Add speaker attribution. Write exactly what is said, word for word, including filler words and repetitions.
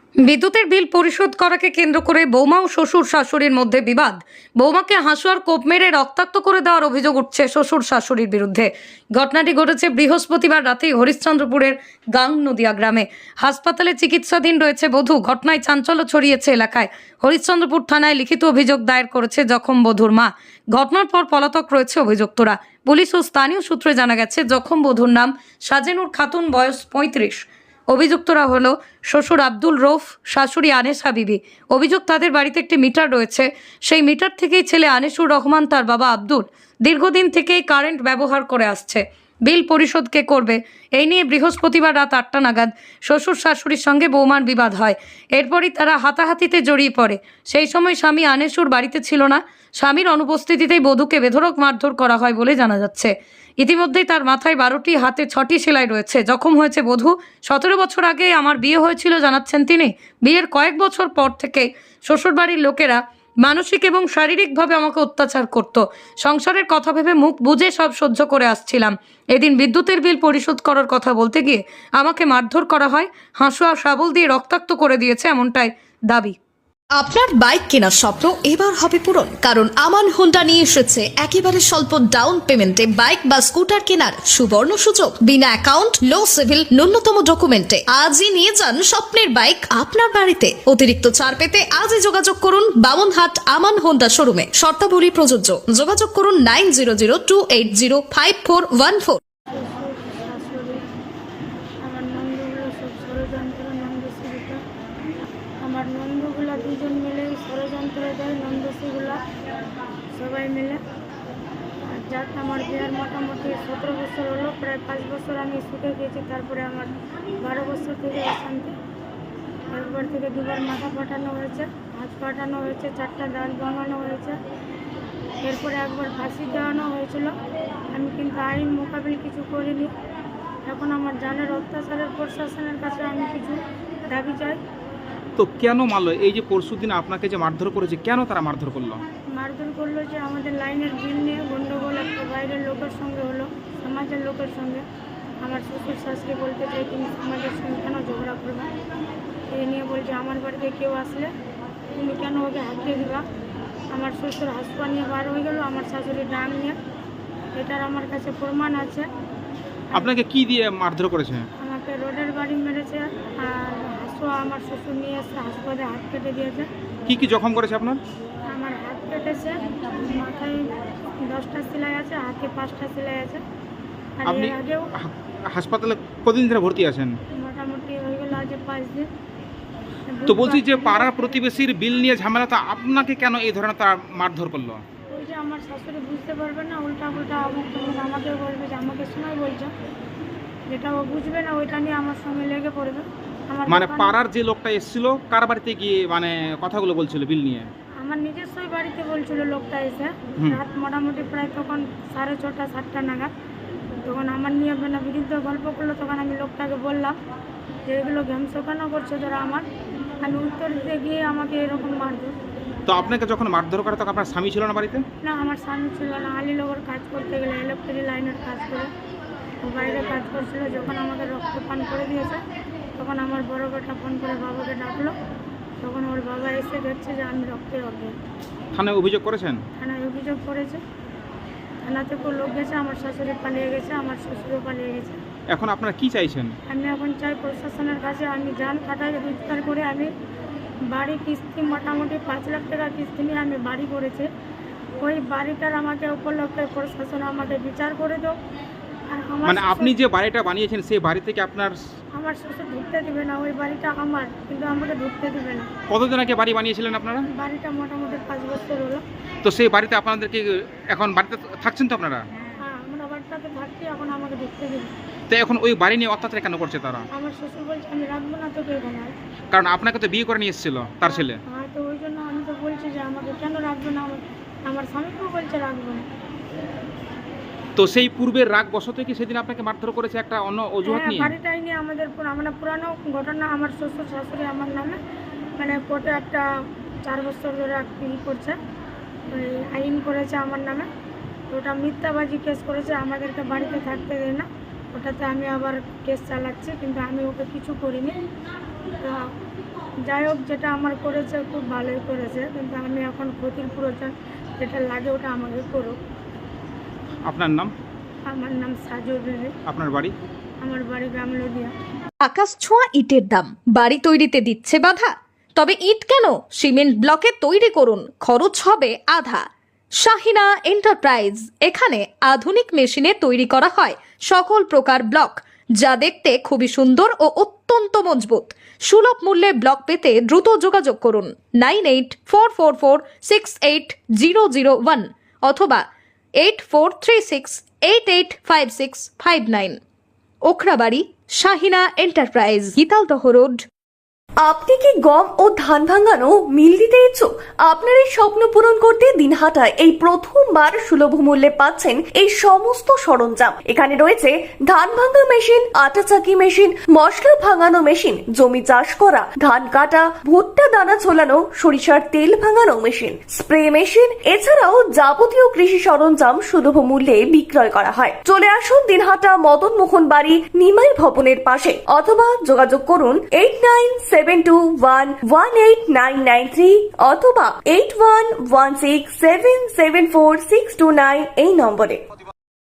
Speaker 1: বিদ্যুতের বিল পরিশোধ করাকে কেন্দ্র করে বৌমা ও শ্বশুর শাশুড়ির মধ্যে বিবাদ। বৌমাকে হাসুয়ার কোপ মেরে রক্তাক্ত করে দেওয়ার অভিযোগ উঠছে শ্বশুর শাশুড়ির বিরুদ্ধে। ঘটনাটি ঘটেছে বৃহস্পতিবার রাতেই হরিশ্চন্দ্রপুরের গাং নদিয়া গ্রামে। হাসপাতালে চিকিৎসাধীন রয়েছে বধূ। ঘটনায় চাঞ্চল্য ছড়িয়েছে এলাকায়। হরিশ্চন্দ্রপুর থানায় লিখিত অভিযোগ দায়ের করেছে জখম বধূর মা। ঘটনার পর পলাতক রয়েছে অভিযুক্তরা। পুলিশ ও স্থানীয় সূত্রে জানা গেছে জখম বধূর নাম সাজেনুর খাতুন, বয়স পঁয়ত্রিশ। অভিযুক্তরা হলো শ্বশুর আব্দুল রৌফ, শাশুড়ি আনেসা বিবি। অভিযোগ, তাদের বাড়িতে একটি মিটার রয়েছে। সেই মিটার থেকেই ছেলে আনিসুর রহমান, তার বাবা আব্দুল দীর্ঘদিন থেকেই কারেন্ট ব্যবহার করে আসছে। বিল পরিশোধ কে করবে, এই নিয়ে বৃহস্পতিবার রাত আটটা নাগাদ শ্বশুর শাশুড়ির সঙ্গে বৌমার বিবাদ হয়। এরপরই তারা হাতাহাতিতে জড়িয়ে পড়ে। সেই সময় স্বামী আনেসুর বাড়িতে ছিল না। স্বামীর অনুপস্থিতিতেই বধূকে বেধড়ক মারধর করা হয় বলে জানা যাচ্ছে। ইতিমধ্যেই তার মাথায় বারোটি, হাতে ছটি সেলাই রয়েছে। জখম হয়েছে বধূ। সতেরো বছর আগে আমার বিয়ে হয়েছিল জানাচ্ছেন তিনি। বিয়ের কয়েক বছর পর থেকে শ্বশুরবাড়ির লোকেরা মানসিক এবং শারীরিকভাবে আমাকে অত্যাচার করত। সংসারের কথা ভেবে মুখ বুজে সব সহ্য করে আসছিলাম। এদিন বিদ্যুতের বিল পরিশোধ করার কথা বলতে গিয়ে আমাকে মারধর করা হয়, হাঁসুয়া শাবল দিয়ে রক্তাক্ত করে দিয়েছে, এমনটাই দাবি।
Speaker 2: আপনার বাইক কেনার স্বপ্ন এবার হবে পূরণ, কারণ আমান হোন্ডা নিয়ে এসেছে একেবারে স্বল্প ডাউন পেমেন্টে বাইক বা স্কুটার কেনার সুবর্ণ সুযোগ। বিনা অ্যাকাউন্ট, লো সিভিল, ন্যূনতম ডকুমেন্টে আজই নিয়ে যান স্বপ্নের বাইক আপনার বাড়িতে। অতিরিক্ত ছাড় পেতে আজই যোগাযোগ করুন বামনহাট আমান হোন্ডা শোরুমে। শর্তাবলী প্রযোজ্য। যোগাযোগ করুন nine zero zero two eight zero five four one four.
Speaker 3: শাশুড়ি, আমার নন্দগুলো সব ষড়যন্ত্র, নন্দশ্রীটা আমার নন্দগুলো দুজন মিলে ষড়যন্ত্র দেয়। নন্দশ্রীগুলো সবাই মিলে। আর যাক, আমার বিয়ার মোটামুটি সতেরো বছর হলো, প্রায় পাঁচ বছর আমি সুখে গিয়েছি। তারপরে আমার বারো বছর থেকে অশান্তি। একবার থেকে দুবার মাথা পাঠানো হয়েছে, হাত পাঠানো হয়েছে, চারটা দাঁত ভাঙানো হয়েছে। এরপরে একবার ফাঁসি দেওয়ানো হয়েছিল। আমি কিন্তু আইন মোকাবিল কিছু করিনি। এখন আমার জানের অত্যাচারের প্রশাসনের কাছে আমি কিছু দাবি চাই।
Speaker 4: তো কেন মারলো? এই যে পরশুদিন আপনাকে যে মারধর করেছে, কেন তারা মারধর করলো?
Speaker 3: মারধর করলো যে আমাদের লাইনের বিল নিয়ে গণ্ডগোল একটা বাইরের লোকের সঙ্গে হলো, সমাজের লোকের সঙ্গে। আমার শ্বশুর শাশুড়ি বলতে চাই তুমি সমাজের সঙ্গে কেন ঝগড়া করবে, এই নিয়ে বলছে আমার বাড়িতে কেউ আসলে তুমি কেন ওকে হাত দিয়ে দিবা। আমার শ্বশুর হাসপা নিয়ে বার হয়ে গেল, আমার শাশুড়ি ডাং নিয়ে। এটার আমার কাছে প্রমাণ আছে।
Speaker 4: আপনাকে কি দিয়ে মারধর করেছে?
Speaker 3: আমাকে রোডের বাড়ি মেরেছে, আর হাসুয়া আমার শ্বশুর নিয়ে এসে হাসপাতালে হাত কেটে দিয়েছে।
Speaker 4: কি কি জখম করেছে আপনার?
Speaker 3: আমার হাত কেটেছে, মাথায় দশটা সেলাই আছে, হাতে পাঁচটা সেলাই আছে। আর
Speaker 4: আপনি
Speaker 3: এর আগেও
Speaker 4: হা- হাসপাতালে কদিন ধরে ভর্তি আছেন?
Speaker 3: মোটামুটি হয়ে গেল আজ পাঁচ দিন।
Speaker 4: তো বলছি যে পাড়ার প্রতিবেশীর বিল নিয়ে ঝামেলা, তা আপনাকে কেন এই ধরনের তারা মারধর করলো?
Speaker 3: ওই যে আমার শাশুড়ি বুঝতে পারবে না, উল্টা উল্টা অমুক তমুক আমাকে বলবে যে আমাকে শোনাই বলছে, যেটা ও বুঝবে না ওইটা নিয়ে আমার সঙ্গে লেগে পড়বে। আমার
Speaker 4: মানে
Speaker 3: দোকানে-
Speaker 4: পাড়ার যে লোকটা এসেছিল, কার বাড়িতে গিয়ে মানে কথাগুলো বলছিল বিল নিয়ে?
Speaker 3: আমার নিজস্বই বাড়িতে বলছিল লোকটা এসে।
Speaker 4: হুম।
Speaker 3: রাত মোটামুটি প্রায় তখন সাড়ে ছটা সাতটা নাগাদ। তখন আমার নিয়ে মানে বিরুদ্ধে গল্প করলো। তখন আমি লোকটাকে বললাম যে এগুলো ঘ্যামসো কেন করছো যারা আমার। আমি উত্তর দিতে গিয়ে আমাকে এরকম মারধর।
Speaker 4: তো আপনাকে যখন মারধর করে তখন আপনার স্বামী ছিল না বাড়িতে?
Speaker 3: না, আমার স্বামী ছিল না। আলীনগর কাজ করতে গেলে ইলেকট্রিক লাইনের কাজ করে ও বাইরে কাজ করছিল। যখন আমাকে রক্তপান করে দিয়েছে তখন আমার বড় বেটা ফোন করে বাবাকে ডাকলো। তখন ওর বাবা এসে দেখছে যে আমি রক্তে অজ্ঞান।
Speaker 4: থানায় অভিযোগ করেছেন?
Speaker 3: থানায় অভিযোগ করেছে। থানা থেকেও লোক গেছে, আমার শাশুড়ি পালিয়ে গেছে, আমার শ্বশুরও পালিয়ে গেছে।
Speaker 4: এখন আপনারা কি চাইছেন?
Speaker 3: আমি এখন চাই প্রশাসনের কাছে আমি জান খাটাই রোজগার করে আমি বাড়ি কিস্তি মোটামুটি পাঁচ লাখ টাকা কিস্তি নিয়ে আমি বাড়ি করেছি। ওই বাড়িটার আমাকে উপলক্ষে প্রশাসন আমাকে বিচার করে দাও। আর আমার
Speaker 4: মানে
Speaker 3: শ্বশুর-
Speaker 4: আপনি যে বাড়িটা বানিয়েছেন সেই বাড়ি থেকে আপনার
Speaker 3: আমার শ্বশুর ঢুকতে দিবে না। ওই বাড়িটা আমার, কিন্তু আমাকে ঢুকতে দিবে না।
Speaker 4: কতদিন আগে বাড়ি বানিয়েছিলেন আপনারা?
Speaker 3: বাড়িটা মোটামুটি পাঁচ বছর হলো।
Speaker 4: তো সেই বাড়িতে আপনাদেরকে এখন বাড়িতে থাকছেন তো আপনারা?
Speaker 3: হ্যাঁ, আমরা বাড়িটাতে থাকছি, এখন আমাকে ঢুকতে দিবে।
Speaker 4: তো এখন ওই বাড়ি নিয়ে অত্যাচার কেন করছে তারা?
Speaker 3: আমার শ্বশুর বলছে আমি রাখবো না তোকে এখানে।
Speaker 4: কারণ আপনাকে তো বিয়ে করে নিয়ে এসেছিল তার ছেলে।
Speaker 3: হ্যাঁ, তো ওই জন্য আমি তো বলছি যে আমাকে কেন রাখবো না। আমার আমার স্বামীকেও বলছে রাখবো না।
Speaker 4: তো সেই পূর্বের রাগ বশত কি সেদিন আপনাকে মারধর করেছে একটা অন্য অজুহাত
Speaker 3: হ্যাঁ,
Speaker 4: নিয়ে?
Speaker 3: বাড়িটাই নিয়ে আমাদের পুরো- আমরা পুরানো ঘটনা। আমার শ্বশুর শাশুড়ি আমার নামে মানে কোর্টে একটা চার বছর ধরে ই করছে, ওই আইন করেছে আমার নামে। তো ওটা মিথ্যাবাজি কেস করেছে, আমাদেরকে বাড়িতে থাকতে দেয় না। ওটাতে আমি আবার কেস চালাচ্ছি, কিন্তু আমি ওকে কিছু করিনি। তা যাই হোক, যেটা আমার করেছে খুব ভালোই করেছে, কিন্তু আমি এখন ক্ষতির প্রয়োজন যেটা লাগে ওটা আমাকে করুক।
Speaker 4: আপনার নাম?
Speaker 3: আমার নাম সাজু বিবি,
Speaker 4: আপনার বাড়ি?
Speaker 3: আমার বাড়ি গামলদিয়া।
Speaker 2: আকাশ ছোঁয়া ইটের দাম বাড়ি তৈরিতে দিচ্ছে বাধা? তবে ইট কেন, সিমেন্ট ব্লকে তৈরি করুন, খরচ হবে আধা। শাহিনা এন্টারপ্রাইজ, এখানে আধুনিক মেশিনে তৈরি করা হয় সকল প্রকার ব্লক, যা দেখতে খুবই সুন্দর ও অত্যন্ত মজবুত। সুলভ মূল্যে ব্লক পেতে দ্রুত যোগাযোগ করুন nine eight four four four six eight zero zero one অথবা eight four three six eight eight five six five nine. Okhrabari, Shahina enterprise, Gitaldaha road.
Speaker 5: আপনি কি গম ও ধান ভাঙানো মিল দিতে ইচ্ছুক? আপনার এই স্বপ্ন পূরণ করতে দিনহাটায় এই প্রথমবার সুলভ মূল্যে পাচ্ছেন এই সমস্ত সরঞ্জাম। এখানে রয়েছে ধান ভাঙা মেশিন, আটা চাকি মেশিন, মশলা ভাঙানো মেশিন, জমি চাষ করা, ধান কাটা, ভুট্টা দানা ছোলানো, সরিষার তেল ভাঙানো মেশিন, স্প্রে মেশিন, এছাড়াও যাবতীয় কৃষি সরঞ্জাম সুলভ মূল্যে বিক্রয় করা হয়। চলে আসুন দিনহাটা মদন মোহন বাড়ি নিমাই ভবনের পাশে, অথবা যোগাযোগ করুন eight nine seven two one one eight nine nine three অথবা eight one one six seven seven four six two nine এই নম্বরে।